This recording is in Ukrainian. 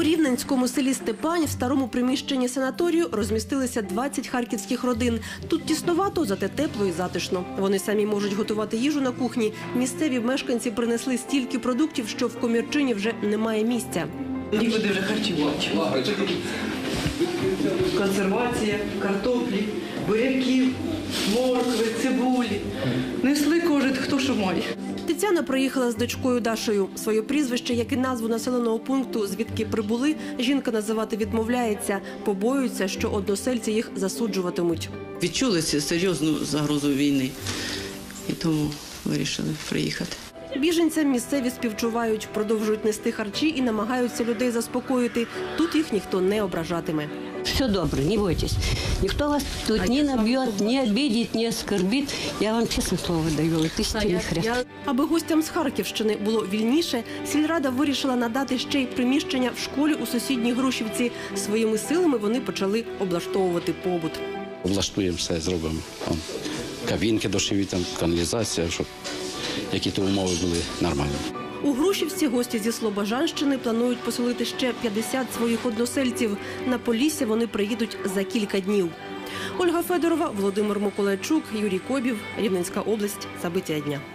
рівненському селі Степань в старому приміщенні санаторію розмістилися 20 харківських родин. Тут тіснувато, зате тепло і затишно. Вони самі можуть готувати їжу на кухні. Місцеві мешканці принесли стільки продуктів, що в комірчині вже немає місця. Нікуди вже харчувати. Консервація, картоплі, буряків, моркви, цибулі. Несли кожен, хто що має. Тетяна приїхала з дочкою Дашею. Своє прізвище, як і назву населеного пункту, звідки прибули, жінка називати відмовляється. Побоюється, що односельці їх засуджуватимуть. Відчули серйозну загрозу війни і тому вирішили приїхати. Біженцям місцеві співчувають, продовжують нести харчі і намагаються людей заспокоїти. Тут їх ніхто не ображатиме. Все добре, не бойтесь. Ніхто вас тут не наб'є, не обидить, не оскорбить. Я вам чесне слово даю, істинний хрест. Аби гостям з Харківщини було вільніше, сільрада вирішила надати ще й приміщення в школі у сусідній Грушівці. Своїми силами вони почали облаштовувати побут. Облаштуємо все, зробимо. Кабінки душові, каналізація, щоб які-то умови були нормальні. У Грушівці гості зі Слобожанщини планують поселити ще 50 своїх односельців. На Полісся вони приїдуть за кілька днів. Ольга Федорова, Володимир Миколайчук, Юрій Кобів, Рівненська область. Забиття дня.